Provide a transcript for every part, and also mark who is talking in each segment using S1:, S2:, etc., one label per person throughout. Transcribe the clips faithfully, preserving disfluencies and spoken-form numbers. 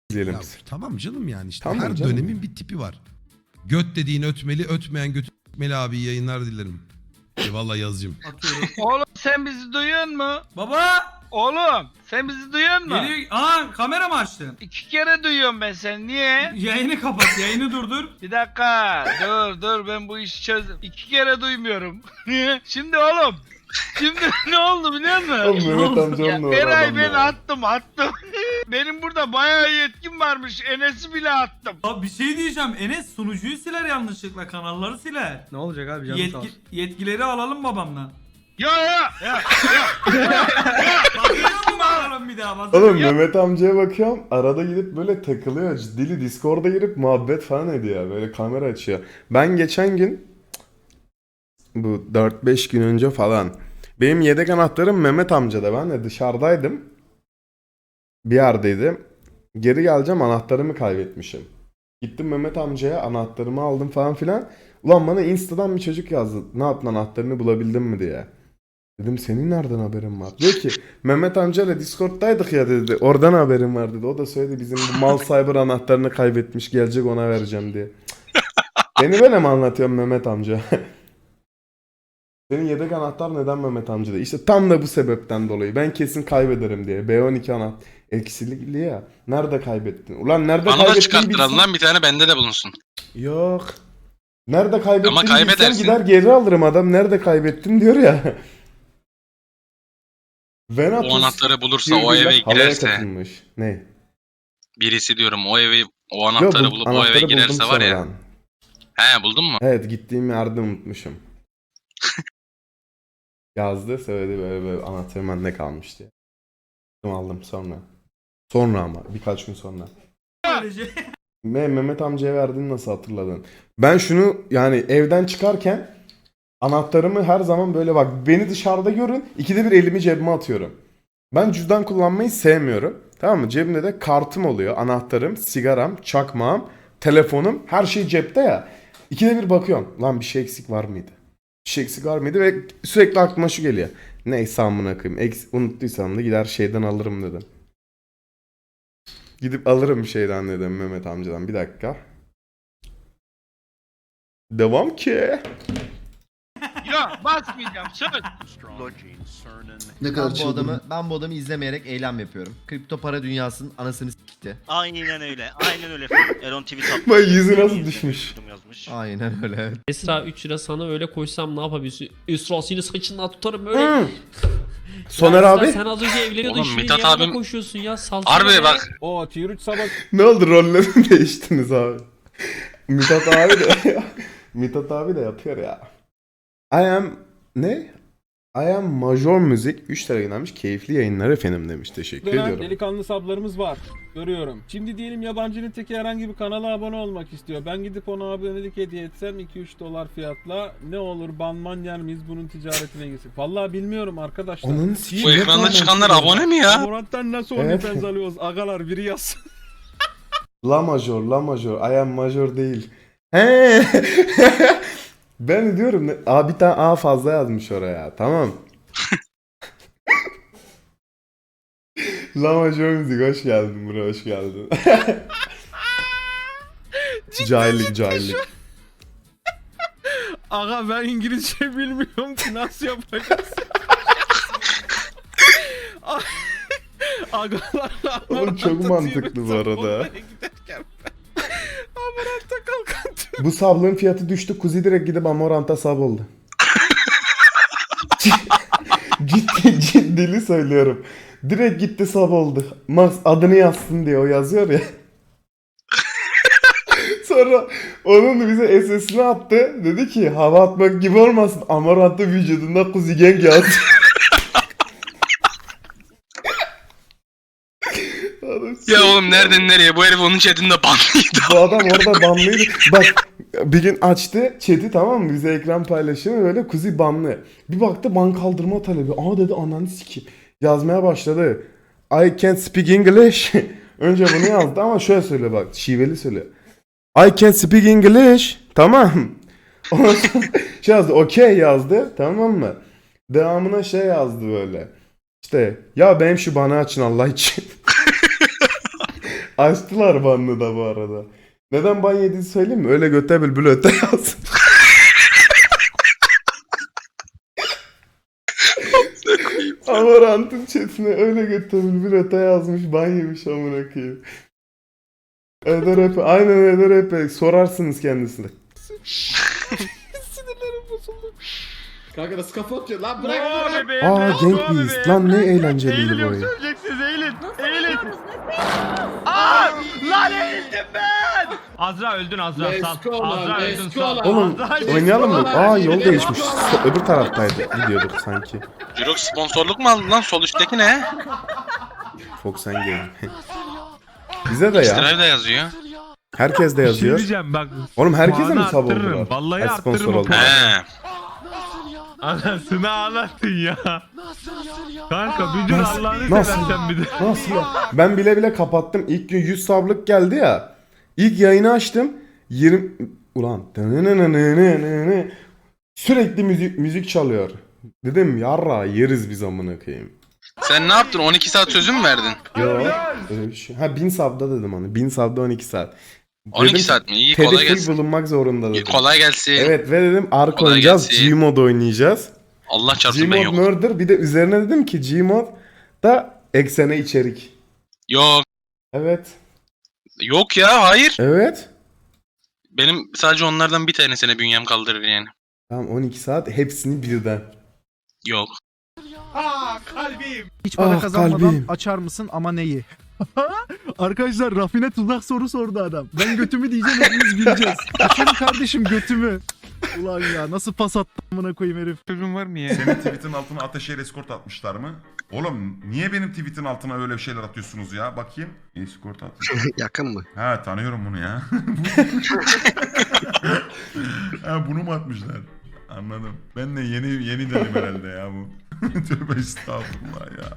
S1: izleyelim.
S2: Ya, tamam canım yani işte
S1: Tamam
S2: her
S1: canım.
S2: dönemin bir tipi var. Göt dediğin ötmeli, ötmeyen göt ötmeli abi, iyi yayınlar dilerim. Eyvallah yazcım.
S3: Atıyorum.
S4: Oğlum sen bizi duyuyor mu?
S3: Baba!
S4: Oğlum sen bizi duyuyor mu?
S3: Geliyor. Aa, kamera mı açtın?
S4: İki kere duyuyorum ben seni. Niye?
S3: Yayını kapat, yayını durdur.
S4: Bir dakika. Dur dur ben bu işi çözdüm. İki kere duymuyorum. Şimdi oğlum. Şimdi ne oldu biliyor musun?
S1: Oğlum Mehmet amca
S4: Ya,
S1: on numara
S4: Eray
S1: adam
S4: ben
S1: ya.
S4: attım attım. Benim burada bayağı yetkim varmış. Enes'i bile attım.
S3: Abi bir şey diyeceğim. Enes sunucuyu siler yanlışlıkla, kanalları siler.
S5: Ne olacak abi canım sağ
S3: Yetki,
S5: olsun.
S3: yetkileri alalım babamdan.
S4: Ya ya ya.
S3: Bakıyor mu alalım bir daha? Bakıyor.
S1: Oğlum Mehmet amcaya bakıyorum, arada gidip böyle takılıyor. Dili Discord'a girip muhabbet falan ediyor. Böyle kamera açıyor. Ben geçen gün, bu dört beş gün önce falan, benim yedek anahtarım Mehmet amcada. Ben de dışarıdaydım. Bir yerdeydim. Geri geleceğim, anahtarımı kaybetmişim. Gittim Mehmet amcaya, anahtarımı aldım falan filan. Ulan bana Insta'dan bir çocuk yazdı. Ne yaptın, anahtarını bulabildin mi diye. Dedim senin nereden haberin var? Diyor ki Mehmet amcayla Discord'daydık ya dedi. Oradan haberim var dedi. O da söyledi bizim bu mal cyber anahtarını kaybetmiş, gelecek ona vereceğim diye. Beni böyle mi anlatıyorsun Mehmet amca? Senin yedek anahtar neden Mehmet amcada? İşte tam da bu sebepten dolayı. Ben kesin kaybederim diye. B on iki anahtar eksilikli ya. Nerede kaybettin? Ulan nerede
S6: Bana da
S1: kaybettiğini
S6: çıkarttıralım
S1: bilsem-
S6: lan, bir tane bende de bulunsun.
S1: Yok. Nerede kaybettiğini
S6: Ama
S1: bilsem
S6: kaybedersin.
S1: gider geri alırım, adam nerede kaybettin diyor ya. Venatus
S6: O anahtarı bulursa,
S1: bir
S6: o eve
S1: günde halaya
S6: girerse,
S1: katılmış. Ne?
S6: birisi diyorum o evi, o
S1: Yok,
S6: anahtarı
S1: bu
S6: bulup o
S1: anahtarı
S6: eve
S1: buldum
S6: girerse var ya.
S1: sonradan.
S6: He, buldun mu?
S1: Evet, gittiğim yerde unutmuşum. Yazdı, söyledi böyle böyle anahtarım bende kalmış diye. Aldım sonra. Sonra ama birkaç gün sonra.
S3: Böylece.
S1: Me Mehmet amcaya verdiğini nasıl hatırladın? Ben şunu yani evden çıkarken anahtarımı her zaman böyle, bak beni dışarıda görün, ikide bir elimi cebime atıyorum. Ben cüzdan kullanmayı sevmiyorum. Tamam mı? Cebimde de kartım oluyor, anahtarım, sigaram, çakmağım, telefonum, her şey cepte ya. İkide bir bakıyorum. Lan bir şey eksik var mıydı? Bir şey eksik var mıydı? Ve sürekli aklıma şu geliyor. Neyse amına koyayım. Eks unuttuysam da gider şeyden alırım dedim. Gidip alırım şeyden dedim, Mehmet amcadan. Bir dakika. Devam ki.
S4: Ya basmayacağım söz.
S7: Ne
S8: Ben bu adamı ben bu adamı izlemeyerek eylem yapıyorum. Kripto para dünyasının anasını s**ti.
S9: Aynen öyle. Aynen öyle. Elon tweet atmış.
S1: Bak yüzü nasıl düşmüş.
S9: Yazmış.
S8: Aynen öyle.
S10: Esra üç lira sana öyle koysam ne yapabilirsin? Esra seni saçından tutarım öyle.
S1: Soner
S10: Ya
S1: abi.
S10: Esra, sen az önce evleniyordun,
S6: Oğlum,
S10: şimdi
S6: Mithat
S10: yanına
S6: abim-
S10: koşuyorsun ya. Salsana
S6: Harbi
S10: be.
S6: bak,
S5: O tier üç sabah
S1: Ne oldu, rolleri değiştiniz abi? Mithat abi de Mithat abi de yapıyor ya. I am ne? I am Major Müzik üç lira göndermiş. Keyifli yayınlar efendim demiş. Teşekkür
S5: dönen
S1: ediyorum.
S5: delikanlı sablarımız var. Görüyorum. Şimdi diyelim yabancının teki herhangi bir kanala abone olmak istiyor. Ben gidip ona abonelik hediye etsem iki üç dolar fiyatla ne olur, banman yer miyiz, bunun ticaretine girsin? Vallahi bilmiyorum arkadaşlar.
S1: Onun
S6: bu ekranda çıkanlar abone mi ya?
S5: Amorant'tan nasıl
S1: Evet.
S5: OnlyFans alıyoruz? Agalar biri yazsın.
S1: La Major, La Major. I am Major değil. He. Ben diyorum ne? Aa, bir tane A fazla yazmış oraya. Tamam. La Major Müzik hoş geldin buraya, hoş geldin. Cahillik cahillik.
S5: Aga ben İngilizce bilmiyorum ki nasıl yapacağız? Agalarla
S1: Oğlum çok mantıklı bu arada.
S5: Amorant'a kalkan tüm.
S1: Bu sablığın fiyatı düştü. Kuzi direkt gidip Amorant'a sab oldu. Ciddi ciddili söylüyorum. Direkt gitti sab oldu. Max adını yazsın diye o yazıyor ya. Sonra onun bize S S'ini attı. Dedi ki hava atmak gibi olmasın. Amorant'ta vücudunda Kuzi Gang yaz.
S6: ya oğlum nereden nereye, bu herif onun chatinde banlıydı.
S1: Bu adam orada banlıydı. Bak bir gün açtı chat'i, tamam mı? Bize ekran paylaşımı, böyle Kuzi banlı. Bir baktı ban kaldırma talebi. Aa dedi ananı sikeyim. Yazmaya başladı. I can't speak English. Önce bunu yazdı ama şöyle söyle bak. Şiveli söyle. I can't speak English. Tamam. Ondan sonra şey yazdı. Okay yazdı. Tamam mı? Devamına şey yazdı böyle. İşte ya benim şu bana açın Allah için. Açtılar banını da bu arada. Neden ban yediğini söyleyeyim mi? Öyle göte bülbül öte yaz. Amarant'ın chatine öyle göte bülbül öte yazmış, ban yemiş amına koyayım. Eder Epe, aynen Eder Epe. Sorarsınız kendisine.
S8: Kanka nasıl kafa atıyor lan bırak
S4: Oo
S8: bırak.
S4: bebeğim.
S1: Aa
S4: let's go
S1: Gang Beast
S4: bebeğim.
S1: lan ne eğlenceliydi
S4: Eğilin
S1: bu
S4: yok
S1: oyun.
S4: söyleyeceksiniz eğilin. Eğilin. Aa! Lan eğildim ben. Azra öldün Azra
S8: Let's
S4: sal.
S8: go lan,
S4: Azra
S8: let's
S4: öldün
S8: go
S4: sal.
S8: lan.
S1: Oğlum
S4: Azra,
S1: oynayalım mı?
S8: let's go
S1: Aa
S8: lan.
S1: yol
S8: Let's
S1: değişmiş.
S8: go
S1: So- öbür taraftaydı. Gidiyorduk sanki.
S6: Jirok sponsorluk mu aldın lan? Sol üstteki ne?
S1: Fox and Game. Bize de ya.
S6: Extra da yazıyor.
S1: Herkes de
S4: Bir şey
S1: yazıyor.
S4: diyeceğim bak.
S1: Oğlum herkese mi
S4: puanı
S1: sab
S4: arttırırım,
S1: oldular?
S4: vallahi
S1: Ay, sponsor
S4: arttırırım o
S1: oldular.
S6: He.
S4: Anasını ağlattın ya. Kanka bir dur
S1: Nasıl-
S4: Allah'ını
S1: nasıl?
S4: seversen bir de.
S1: Nasıl ya? Ben bile bile kapattım. İlk gün yüz sablık geldi ya. İlk yayını açtım. yirmi... Ulan. Sürekli müzik müzik çalıyor. Dedim yarra yeriz biz amına koyayım.
S6: Sen ne yaptın? on iki saat sözü mü verdin?
S1: Yo. Öyle bir şey. Ha bin sabda dedim onu. bin sabda on iki saat.
S6: on iki
S1: Dedim,
S6: saat mi? İyi
S1: Teddy
S6: kolay
S1: full
S6: gelsin.
S1: bulunmak zorunda dedim.
S6: Kolay gelsin.
S1: Evet ve dedim Ark
S6: Kolay
S1: oynayacağız.
S6: gelsin.
S1: Gmod oynayacağız.
S6: Allah çarpsın ben
S1: Gmod
S6: yok.
S1: Murder bir de üzerine dedim ki Gmod da eksene içerik.
S6: Yok.
S1: Evet.
S6: Yok ya hayır.
S1: Evet.
S6: Benim sadece onlardan bir tanesine bünyem kaldırır yani.
S1: Tamam on iki saat hepsini birden.
S6: Yok.
S7: Hiç para
S1: Ah,
S7: kazanmadan
S1: kalbim.
S7: açar mısın ama neyi? Arkadaşlar rafine tuzak soru sordu adam. Ben götümü diyeceğim hepimiz bileceğiz. Açarım kardeşim götümü. Ulan ya nasıl pas attı amına koyayım herif.
S4: Çocuğun var mı ya?
S11: Senin tweetin altına Ateşehir Escort atmışlar mı? Oğlum niye benim tweetin altına öyle şeyler atıyorsunuz ya? Bakayım. Escort atmış.
S6: Yakın mı?
S11: Ha tanıyorum bunu ya. Ha bunu mu atmışlar? Anladım. Ben de yeni yeni dedim herhalde ya bu. Tövbe estağfurullah ya.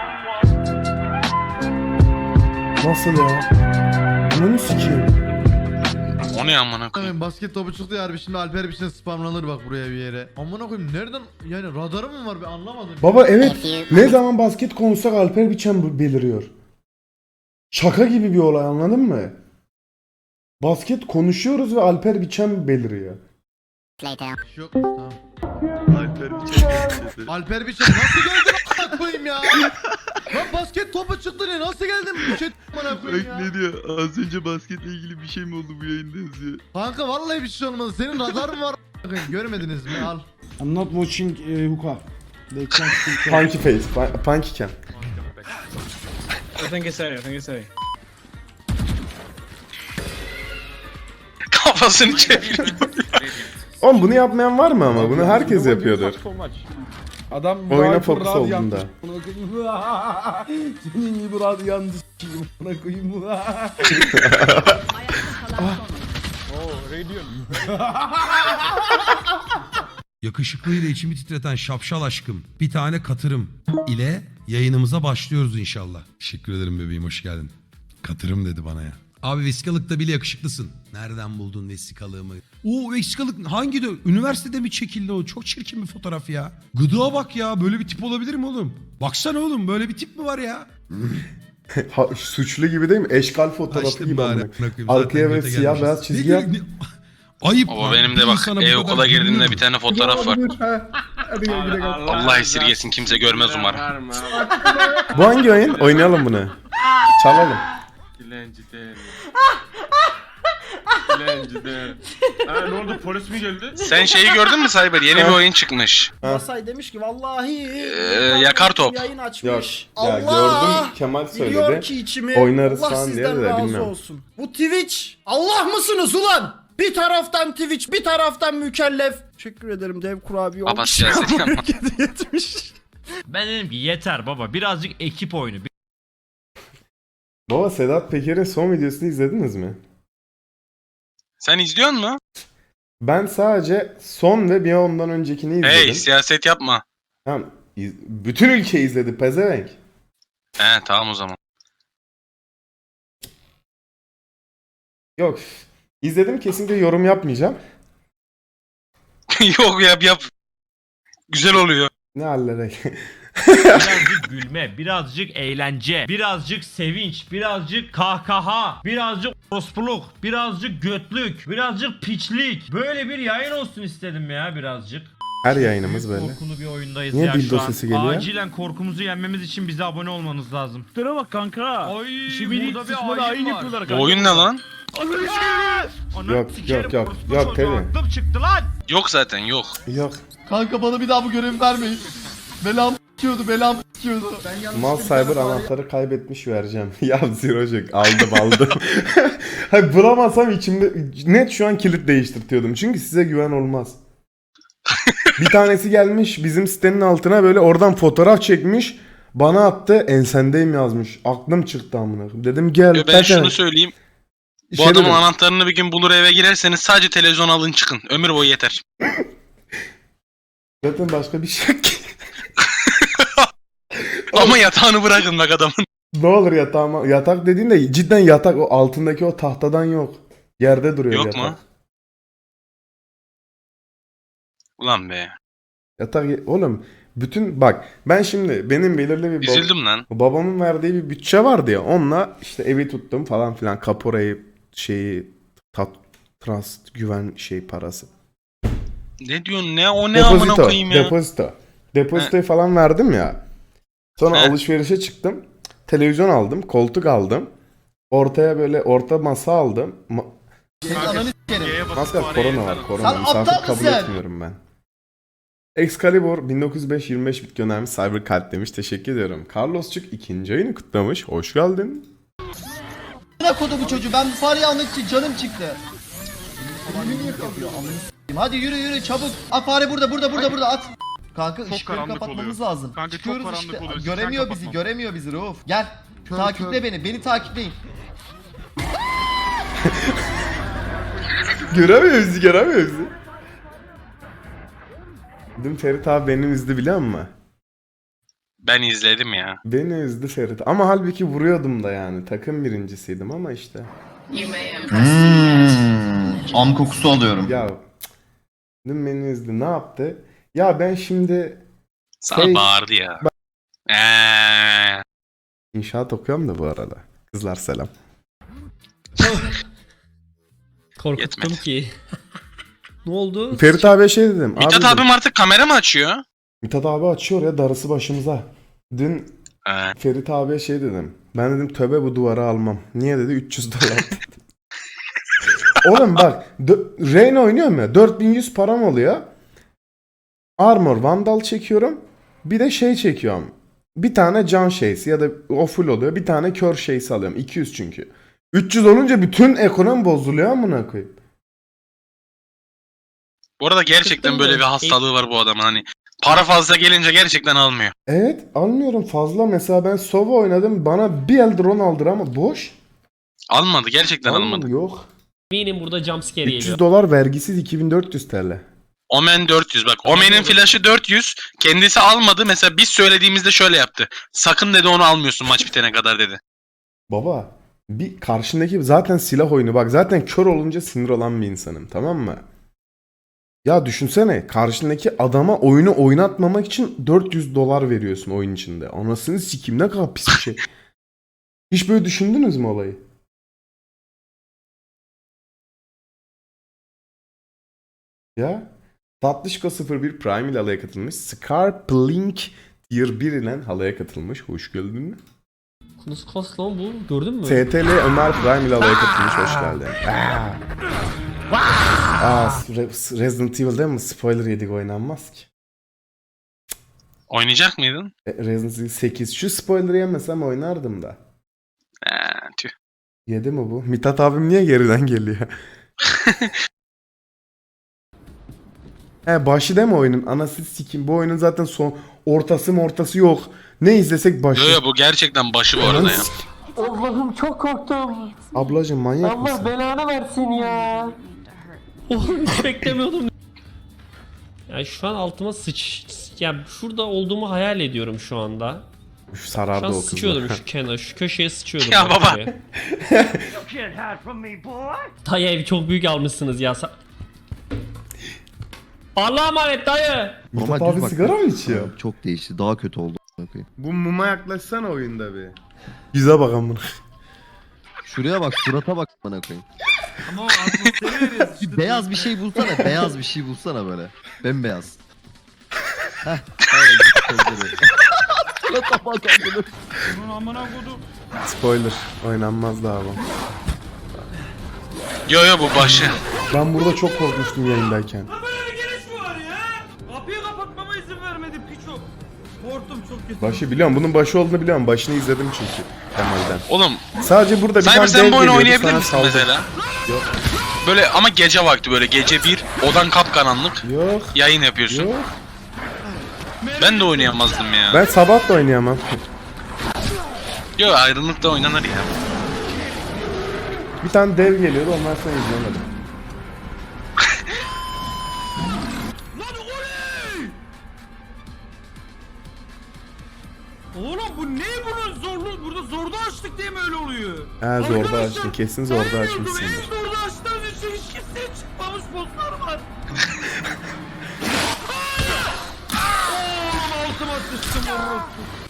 S1: Nasıl ya? Ananı sikeyim.
S6: O ne amına koyayım?
S8: Basket topu çıktı ya harbi şimdi Alper bir şey spamlanır bak buraya bir yere. Amına koyayım nereden yani radarı mı var bir anlamadım.
S1: Baba evet. Ne zaman basket konuşsak Alper Biçen beliriyor. Şaka gibi bir olay anladın mı? Basket konuşuyoruz ve Alper Biçen beliriyor.
S8: Yok tamam. Alper Biçen. Alper Biçen nasıl geldin amına koyayım ya? Lan basket topu çıktı ne nasıl geldin bu chat amına koyayım ya?
S6: Ne diyor? Az önce basketle ilgili bir şey mi oldu bu yayında yazıyor.
S8: Kanka vallahi bir şey olmadı. Senin radar mı var amına koyayım? Görmediniz mi? Al.
S7: I'm not watching uh, hookah. They can't speak.
S1: Punky face. pu- Punky cam.
S6: Kafasını çeviriyor.
S1: Oğlum bunu yapmayan var mı ama? Bunu herkes yapıyordur.
S5: Adam
S1: Oyuna fokus olduğunda.
S7: Senin gibi radyandı s**eyim amına koyayım.
S2: Yakışıklıyla içimi titreten şapşal aşkım. Bir tane katırım ile yayınımıza başlıyoruz inşallah. Teşekkür ederim bebeğim, hoş geldin. Katırım dedi bana ya. Abi vesikalıkta bile yakışıklısın. Nereden buldun vesikalığımı? Oo vesikalık hangi de? Üniversitede mi çekildi o? Çok çirkin bir fotoğraf ya. Gıdığa bak ya, böyle bir tip olabilir mi oğlum? Baksana oğlum, böyle bir tip mi var ya?
S1: Ha, suçlu gibi değil mi? Eşkal fotoğrafı
S2: Açtım
S1: gibi
S2: bari,
S1: amına.
S2: amına koyayım.
S1: Arkaya
S2: Zaten
S1: böyle
S2: göte
S1: siyah
S2: gelmişiz.
S1: beyaz çizgi
S2: Ne-
S1: yap.
S2: ne- Ayıp.
S6: Baba
S2: lan.
S6: benim de
S2: Bir
S6: bak
S2: insana bu
S6: e-okula
S2: kadar
S6: girdiğimde
S2: gülünür
S6: bir
S2: mü?
S6: tane fotoğraf var.
S1: Hadi gel gidelim.
S6: Allah esirgesin kimse görmez umarım.
S1: Bu hangi oyun? Oynayalım bunu. Çalalım.
S5: Ha ne oldu polis mi geldi?
S6: Sen şeyi gördün mü Cyber? Yeni bir oyun çıkmış.
S7: Masay demiş ki vallahi
S6: Ee, yakar top.
S7: yayın
S1: Yok.
S7: açmış.
S1: Ya gördüm Kemal
S7: Biliyor
S1: söyledi.
S7: ki içimi.
S1: Oynarız
S7: Allah
S1: falan diye
S7: sizden
S1: de
S7: razı
S1: bilmiyorum.
S7: olsun. Bu Twitch Allah mısınız ulan? Bir taraftan Twitch, bir taraftan mükellef. Teşekkür ederim dev kurabiye
S6: Baba
S7: olmuş.
S6: siyaset yapma.
S7: Yetmiş.
S3: Ben dedim ki yeter baba birazcık ekip oyunu.
S1: Baba Sedat Peker'in son videosunu izlediniz mi?
S6: Sen izliyor musun?
S1: Ben sadece son ve bir ondan öncekini izledim.
S6: Hey siyaset yapma.
S1: Tamam. iz- Bütün ülke izledi pezevenk.
S6: He tamam o zaman.
S1: Yok. İzledim, kesinlikle yorum yapmayacağım.
S6: Yok yap yap. Güzel oluyor.
S1: Ne hallere.
S3: birazcık gülme, birazcık eğlence, birazcık sevinç, birazcık kahkaha, birazcık orospuluk, birazcık götlük, birazcık piçlik. Böyle bir yayın olsun istedim ya birazcık.
S1: Her yayınımız böyle.
S3: Korkulu bir oyundayız
S1: Niye
S3: ya
S1: dildo
S3: şu an.
S1: sesi geliyor?
S3: Acilen korkumuzu yenmemiz için bize abone olmanız lazım.
S5: Tıra bak kanka.
S3: Ay burada bir
S5: ayin
S3: ayin var.
S5: yapıyorlar
S6: Bu oyun ne lan?
S3: Anam
S1: Yok,
S3: sikerim,
S1: yok, yok.
S3: orospu
S1: Yok,
S3: çocuğu,
S1: Teddy.
S3: aklım çıktı lan.
S6: Yok zaten yok.
S1: Yok.
S8: Kanka bana bir daha bu görevi vermeyin. Belam s**kiyordu, belam s**kiyordu.
S1: Mal Cyber anahtarı kaybetmiş vereceğim. Ya Zirocuk aldım aldım. Hayır bulamasam içimde net şu an kilit değiştirtiyordum. Çünkü size güven olmaz. Bir tanesi gelmiş bizim sitenin altına böyle oradan fotoğraf çekmiş. Bana attı ensendeyim yazmış. Aklım çıktı amına. Dedim gel.
S6: Yo, ben
S1: zaten-
S6: şunu söyleyeyim. Bu
S1: Şey
S6: adamın
S1: dedim,
S6: anahtarını bir gün bulur eve girerseniz sadece televizyon alın çıkın. Ömür boyu yeter.
S1: zaten başka bir şey yok ki.
S6: Ama yatağını bırakın bak adamın.
S1: Ne olur yatağıma. Yatak dediğinde cidden yatak o altındaki o tahtadan yok. Yerde duruyor
S6: Yok
S1: yatak.
S6: mu? Ulan be.
S1: Yatak oğlum bütün bak ben şimdi benim belirli bir bab-
S6: Üzüldüm lan.
S1: babamın verdiği bir bütçe vardı ya onunla işte evi tuttum falan filan kaporayı şeyi tat, trust güven şey parası.
S6: Ne diyorsun ne o ne amına
S1: Depozito,
S6: koyayım ya.
S1: depozito. Depozitoyu falan verdim ya. Sonra
S6: He.
S1: alışverişe çıktım. Televizyon aldım, koltuk aldım. Ortaya böyle orta masa aldım. Ma-
S8: Senin ananı s**kerim.
S1: Maskar korona var, korona.
S8: Sen
S1: Misafir
S8: aptal
S1: kabul
S8: mısın?
S1: etmiyorum ben. Excalibur bin dokuz yüz beş yirmi beş bit göndermiş, Cyber Kalp demiş. Teşekkür ediyorum. Carlosçuk ikinci ayını kutlamış. Hoş geldin.
S8: Ne kodu bu çocuğu? Ben bu fareyi almak için canım çıktı. Elimi niye kapıyor? Amına s**eyim. Hadi yürü yürü çabuk. At fare burada burada burada burada at. Kanka ışıkları kapatmamız lazım.
S4: Kanka, çok
S8: Çıkıyoruz
S4: karanlık
S8: işte.
S4: oluyor.
S8: Göremiyor
S4: Sen
S8: bizi,
S4: kapatma.
S8: göremiyor bizi Rauf. Gel. Takiple beni. Beni takipleyin.
S1: Göremiyor bizi, göremiyor bizi. Dün Ferit abi beni üzdü biliyor musun?
S6: Ben izledim ya.
S1: Beni üzdü Ferit. Ama halbuki vuruyordum da yani. Takım birincisiydim ama işte.
S8: Hmm, am kokusu alıyorum.
S1: Ya cık. Dün beni üzdü. Ne yaptı? Ya ben şimdi
S6: Sana
S1: Şey-
S6: bağırdı ya. Eee.
S1: inşaat okuyorum da bu arada. Kızlar selam.
S10: Korkuttum
S6: Yetmedi.
S10: ki. Ne oldu?
S1: Ferit abiye şey dedim.
S6: Mithat
S1: abi dedim,
S6: abim artık kamera mı açıyor?
S1: Mithat abi açıyor ya darısı başımıza. Dün
S6: He.
S1: Ferit abiye şey dedim. Ben dedim tövbe bu duvarı almam. Niye dedi? üç yüz dolar. Oğlum bak. dö- Reyna oynuyorum ya. dört bin yüz param oluyor. Armor Vandal çekiyorum. Bir de şey çekiyorum. Bir tane can şeysi ya da o full oluyor. Bir tane kör şeysi alıyorum. iki yüz çünkü. üç yüz olunca bütün ekonomi bozuluyor amına koyayım.
S6: Bu arada gerçekten
S10: Çıktın
S6: böyle
S10: mı?
S6: bir hastalığı var bu adamın hani. Para fazla gelince gerçekten almıyor.
S1: Evet almıyorum fazla. Mesela ben Sova oynadım. Bana bir el drone aldır ama boş.
S6: Almadı gerçekten
S1: Almadım,
S6: almadı.
S1: yok.
S10: Eminim burada jumpscare
S1: üç yüz
S10: geliyor.
S1: dolar vergisiz iki bin dört yüz T L.
S6: Omen dört yüz bak. Omen'in flash'ı dört yüz. Kendisi almadı. Mesela biz söylediğimizde şöyle yaptı. Sakın dedi onu almıyorsun maç bitene kadar dedi.
S1: Baba bir karşındaki zaten silah oyunu bak zaten kör olunca sinir olan bir insanım tamam mı? Ya düşünsene karşındaki adama oyunu oynatmamak için dört yüz dolar veriyorsun oyun içinde. Anasını sikeyim ne kadar pis bir şey. Hiç böyle düşündünüz mü olayı? Ya Tatlışko sıfır bir Prime ile halaya katılmış. Scarplink Tier bir ile halaya katılmış. Hoş geldin.
S10: Nasıl kas lan bu? Gördün mü?
S1: S T L Ömer Prime ile halaya katılmış. Hoş geldin. Aa. Aa, Re- Resident Evil'de mi spoiler yedik oynanmaz ki.
S6: Oynayacak mıydın?
S1: E, Resident Evil sekiz. Şu spoiler'ı yemesem oynardım da.
S6: Eee tüh.
S1: Yedi mi bu? Mithat abim niye geriden geliyor? He başı değil mi oyunun? Anasını sikeyim. Bu oyunun zaten son ortası mı ortası yok. Ne izlesek başı.
S6: Yo yo bu gerçekten başı bu arada
S1: Ananı
S6: ya.
S1: sik-
S10: Allah'ım çok korktum.
S1: Ablacım manyak mısın?
S10: belanı versin ya. Oğlum hiç beklemiyordum. Ya şu an altıma sıç... Ya şurada olduğumu hayal ediyorum şu anda.
S1: Üf,
S10: Şu
S1: sarardı
S10: an
S1: o kızla.
S10: sıçıyordum şu kenara, şu köşeye sıçıyordum.
S6: Ya
S10: bak
S6: baba.
S10: şuraya. Dayı evi çok büyük almışsınız ya. Sa- Allah'a emanet dayı.
S1: Mithat abi sigara mı içiyor?
S8: Çok değişti. Daha kötü oldu. koyayım.
S1: Bu muma yaklaşsana oyunda bir. Yüze bak amına.
S8: Şuraya bak, surata bak bana koyayım.
S5: Ama o atmosferi veriyoruz işte.
S8: Beyaz bir şey bulsana, beyaz bir şey bulsana böyle. Bembeyaz. Heh, öyle gözleri. Surata bak amına.
S5: Bunun amına kodum.
S1: Spoiler. Oynanmaz daha bu.
S6: Yo yo bu başı.
S1: Ben burada çok korkmuştum yayındayken.
S5: Böyle bir giriş mi var ya? Kapıyı kapatmama izin vermedi piço. Korktum çok kötü.
S1: Başı biliyorum. Bunun başı olduğunu biliyorum. Başını izledim çünkü. Kemal'den.
S6: Oğlum
S1: Sadece burada bir
S6: Cyber
S1: tane
S6: sen
S1: dev
S6: bu oyunu
S1: geliyordu,
S6: oynayabilir
S1: sana
S6: misin
S1: saldı.
S6: mesela?
S1: Yok.
S6: Böyle ama gece vakti böyle gece bir odan kapkaranlık
S1: Yok.
S6: yayın yapıyorsun.
S1: Yok.
S6: Ben de oynayamazdım ya.
S1: Ben sabah da oynayamam.
S6: Yo ayrılıkta oynanır ya.
S1: Bir tane dev geliyordu. Ondan sonra izlemedim.
S5: Oğlum bu ne bunun zorlu? Burada zorda açtık diye mi öyle oluyor?
S1: Ha zorda
S5: Arkadaşlar,
S1: açtın. Kesin zorda
S5: hayır,
S1: açmışsındır.
S5: En zorda açtığınız için hiç kimseye çıkmamış bosslar var. Oğlum altıma sıçtım oğlum.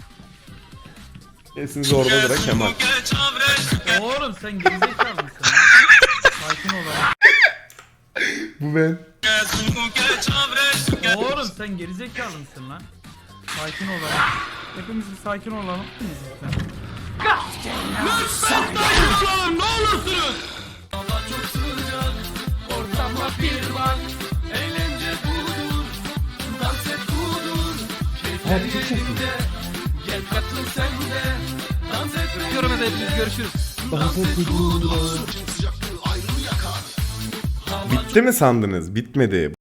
S1: Kesin zordadır ha Kemal.
S5: Oğlum sen gerizekalı mısın? Sakin ol lan.
S1: Bu ben.
S5: Oğlum sen gerizekalı mısın lan? Sakin ol lan. Hepimiz bir sakin olalım. Lütfen sakin ne olursunuz. Görmede hepimiz görüşürüz.
S1: Bitti mi sandınız? Bitmedi.